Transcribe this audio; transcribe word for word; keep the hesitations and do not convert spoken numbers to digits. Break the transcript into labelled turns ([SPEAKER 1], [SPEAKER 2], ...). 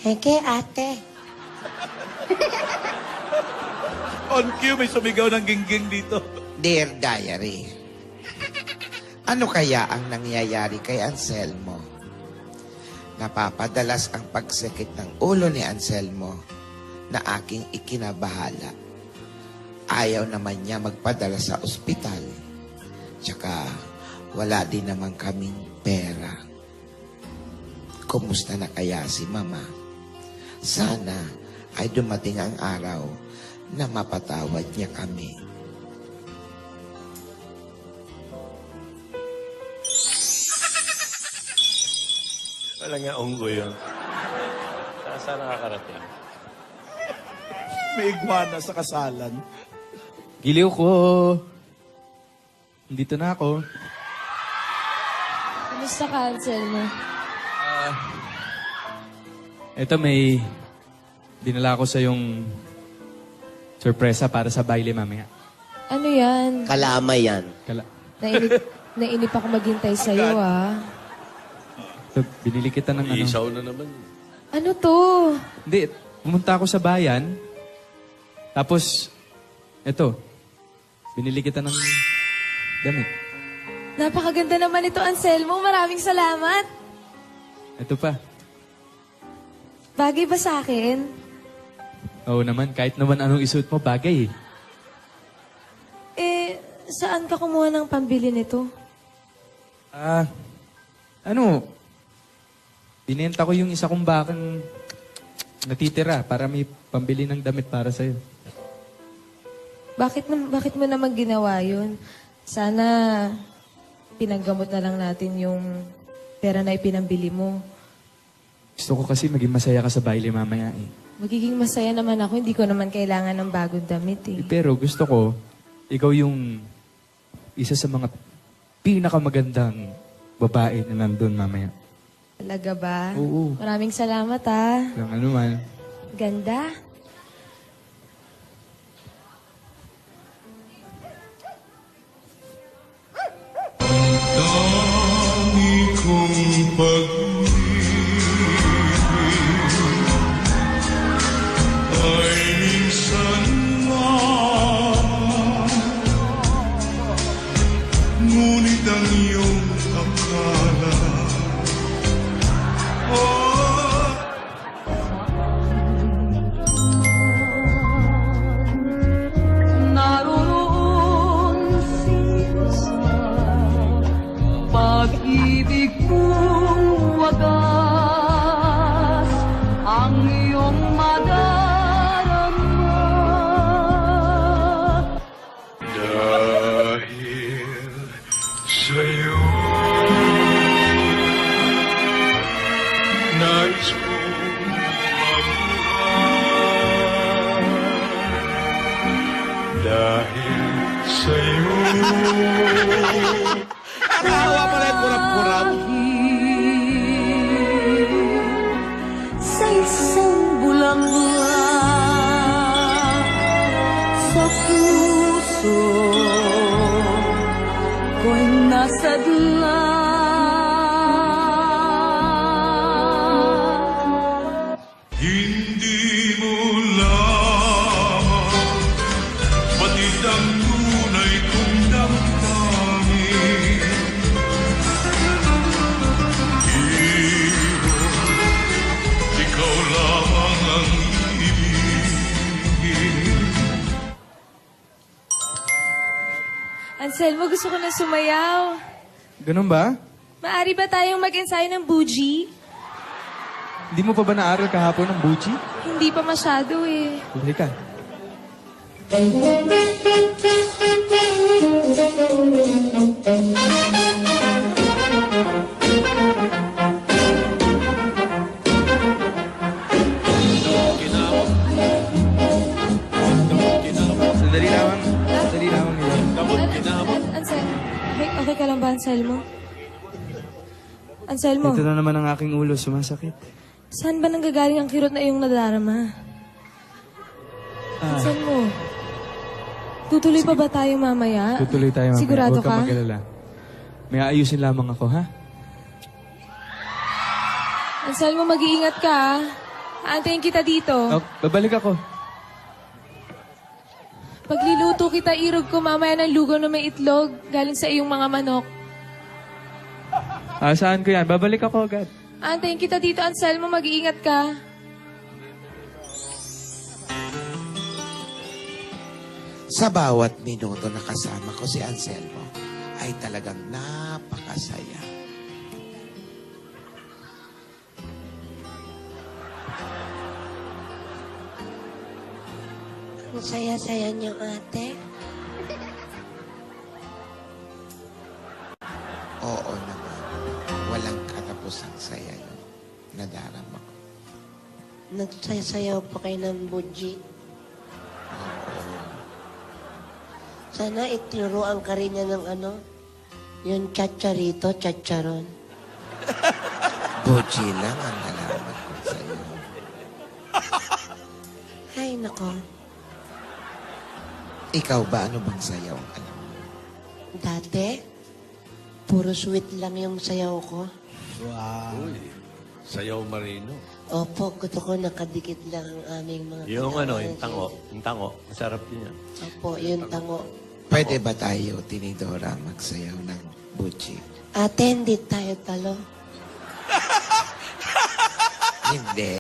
[SPEAKER 1] Heke, ate.
[SPEAKER 2] On cue, may sumigaw ng gingging dito.
[SPEAKER 3] Dear Diary, ano kaya ang nangyayari kay Anselmo? Napapadalas ang pagsikit ng ulo ni Anselmo na aking ikinabahala. Ayaw naman niya magpadala sa ospital. Tsaka wala din naman kaming pera. Kumusta na kaya si Mama? Sana ay dumating ang araw na mapatawad niya kami.
[SPEAKER 4] Wala nga unggo yun. Saan saan nakakarating?
[SPEAKER 2] May iguana sa kasalan.
[SPEAKER 5] Giliw ko. Dito na ako.
[SPEAKER 6] Kumusta ka, Anselmo?
[SPEAKER 5] Ito may dinala ko sa yung sorpresa para sa baile mamaya.
[SPEAKER 6] Ano yan?
[SPEAKER 1] Kalama yan.
[SPEAKER 5] Kala
[SPEAKER 6] Nainip, nainip ako maghintay sa'yo, ah.
[SPEAKER 5] ito, binili kita ng ano.
[SPEAKER 4] Isaw na naman.
[SPEAKER 6] Ano to?
[SPEAKER 5] Hindi, pumunta ako sa bayan. Tapos, ito, binili kita ng damit.
[SPEAKER 6] Napakaganda naman ito, Anselmo. Maraming salamat.
[SPEAKER 5] Ito pa.
[SPEAKER 6] Bagay ba sa akin?
[SPEAKER 5] Oo naman, kahit naman anong isuot mo, bagay eh.
[SPEAKER 6] Eh, saan ka kumuha ng pambili nito?
[SPEAKER 5] Ah, ano, binenta ko yung isa kong bakang natitira para may pambili ng damit para sa'yo.
[SPEAKER 6] Bakit, na, bakit mo naman ginawa yun? Sana pinaggamot na lang natin yung pera na ipinambili mo.
[SPEAKER 5] Gusto ko kasi maging masaya ka sa baile mamaya eh.
[SPEAKER 6] Magiging masaya naman ako. Hindi ko naman kailangan ng bagong damit eh.
[SPEAKER 5] Eh, Pero gusto ko, ikaw yung isa sa mga pinakamagandang babae na nandun mamaya.
[SPEAKER 6] Talaga ba?
[SPEAKER 5] Oo.
[SPEAKER 6] Maraming salamat ah.
[SPEAKER 5] Lang ano man.
[SPEAKER 6] Ganda.
[SPEAKER 7] Dami kong pag-ibig ay minsan man, ngunit ang iyong akala oh,
[SPEAKER 8] naroon sa pag-ibig kong wagas ang iyong madarama.
[SPEAKER 7] dahil sa'yo nais kong mabuhay dahil sa'yo
[SPEAKER 2] Nakahawa pala yung kurap-kurap.
[SPEAKER 8] Sa isang bulaklak sa puso ko'y nasadla.
[SPEAKER 7] hindi mo lamang batid ang tunay kong damdamin. Hero, ikaw lamang ang ibigin.
[SPEAKER 6] Anselmo, gusto ko na sumayaw.
[SPEAKER 5] Ganun ba?
[SPEAKER 6] Maari ba tayong mag-ensayo ng bougie?
[SPEAKER 5] Hindi mo pa ba naaral kahapon ng buchi?
[SPEAKER 6] Hindi pa masyado eh.
[SPEAKER 5] Halika. Sandali lamang. Sandali lamang nila.
[SPEAKER 6] An- Ansel, okay, okay ka lang ba, Anselmo? Anselmo,
[SPEAKER 5] Ito na naman ang aking ulo, sumasakit.
[SPEAKER 6] saan ba nanggagaling ang kirot na iyong nadarama?
[SPEAKER 5] Ah,
[SPEAKER 6] Anselmo, tutuloy pa ba tayo mamaya?
[SPEAKER 5] tutuloy tayo mamaya.
[SPEAKER 6] Sigurado
[SPEAKER 5] Huwag kang
[SPEAKER 6] ka?
[SPEAKER 5] mag-alala. May aayusin lamang ako, ha?
[SPEAKER 6] Anselmo, mag-iingat ka ah. Aantayin kita dito.
[SPEAKER 5] Oh, babalik ako.
[SPEAKER 6] Pagluluto kita, irog ko mamaya ng lugaw na may itlog galing sa iyong mga manok.
[SPEAKER 5] Ah, saan ko yan? Babalik ako agad.
[SPEAKER 6] Aantayin kita dito, Anselmo. Mag-iingat ka.
[SPEAKER 3] Sa bawat minuto na kasama ko si Anselmo, ay talagang napakasaya.
[SPEAKER 1] Ang saya-saya niyo, ate.
[SPEAKER 3] Oo naman, walang katapusang saya yun. Nadarama ko.
[SPEAKER 1] Nagsayaw pa kayo ng buji. Sana itinuruan ka rin niya ng ano, yung chacharito, chacharon.
[SPEAKER 3] Boji lang ang nalaman ko sa'yo.
[SPEAKER 1] Ay, nako.
[SPEAKER 3] Ikaw ba, ano bang sayaw ang alam mo?
[SPEAKER 1] Dati, puro sweet lang yung sayaw ko.
[SPEAKER 4] Uy, sayaw marino.
[SPEAKER 1] Opo, gusto ko nakadikit lang ang aming mga...
[SPEAKER 4] Yung ano,
[SPEAKER 1] kailangan.
[SPEAKER 4] yung tango. Yung tango. Masarap din yan.
[SPEAKER 1] Opo, yung tango.
[SPEAKER 3] Pwede ba tayo, Tinidora, magsayaw ng Boji?
[SPEAKER 1] Ate, hindi tayo talo.
[SPEAKER 3] Hindi.